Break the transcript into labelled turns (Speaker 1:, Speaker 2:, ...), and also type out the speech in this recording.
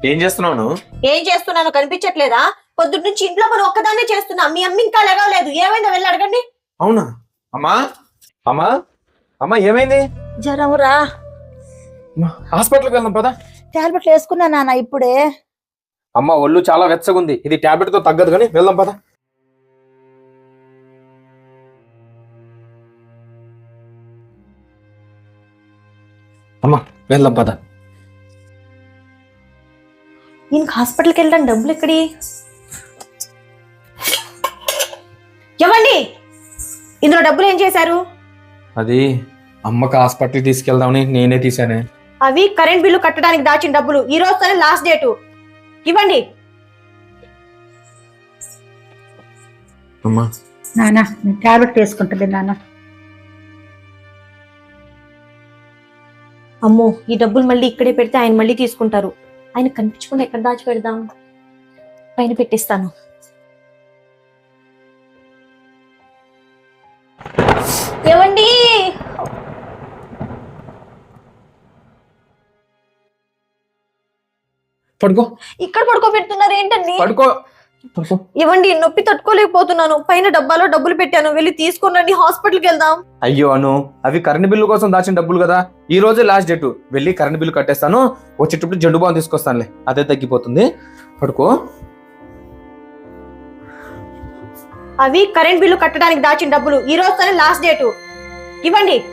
Speaker 1: ఏం చేస్తున్నావు నువ్వు?
Speaker 2: ఏం చేస్తున్నానో కనిపించట్లేదా? పొద్దున్న నుంచి ఇంట్లో పని ఒక్కదాన్నే చేస్తున్నా. మీ అమ్మ ఇంకా లేవలేదు. ఏమైందో వెళ్ళి అడగండి.
Speaker 1: అవునా? అమ్మా అమ్మా అమ్మా ఏమైంది?
Speaker 3: జ్వరం రా.
Speaker 1: హాస్పిటల్కి వెళ్దాం పదా.
Speaker 3: టాబ్లెట్లు వేసుకున్నా నాన్న ఇప్పుడే.
Speaker 1: అమ్మ ఒళ్ళు చాలా వెచ్చగా ఉంది, ఇది టాబ్లెట్ తో తగ్గదు కానీ వెళ్దాం పదా. అమ్మా వెళ్దాం పదా.
Speaker 2: నేను హాస్పిటల్కి వెళ్ళడానికి డబ్బులు ఎక్కడి? ఇవ్వండి. ఇందులో డబ్బులు ఏం చేశారు?
Speaker 1: అది అమ్మకి హాస్పిటల్కి తీసుకెళ్దామని నేనే తీసానే.
Speaker 2: అవి కరెంట్ బిల్లు కట్టడానికి దాచిన డబ్బులు. ఈ రోజుతోనే లాస్ట్ డేటు. ఇవ్వండి.
Speaker 1: అమ్మా
Speaker 3: నాన్న నేను టాబ్లెట్ వేసుకుంటుంది నాన్న.
Speaker 2: అమ్మో, ఈ డబ్బులు మళ్ళీ ఇక్కడే పెడితే ఆయన మళ్ళీ తీసుకుంటారు. ఆయన కనిపించకుండా ఎక్కడ దాచి పెడదాం? పైన పెట్టిస్తాను. ఏవండి,
Speaker 1: పడుకో
Speaker 2: ఇక్కడ పడుకోబెడుతున్నారు ఏంటండి?
Speaker 1: పడుకో పడుకో.
Speaker 2: ఇవ్వండి, నొప్పి తట్టుకోలేకపోతున్నాను. పైన డబ్బాలో డబ్బులు పెట్టాను, వెళ్ళి తీసుకురండి. హాస్పిటల్కి వెళ్దాం.
Speaker 1: అయ్యో అను, అవి కరెంట్ బిల్లు కోసం దాచిన డబ్బులు కదా, ఈ రోజే లాస్ట్ డేట్. వెళ్ళి కరెంట్ బిల్లు కట్టేస్తాను, వచ్చేటప్పుడు జండు బాం తీసుకొస్తానులే, అదే తగ్గిపోతుంది. పడుకో.
Speaker 2: అవి కరెంట్ బిల్లు కట్టడానికి దాచిన డబ్బులు. ఈ రోజుతోనే లాస్ట్ డేటు. ఇవ్వండి.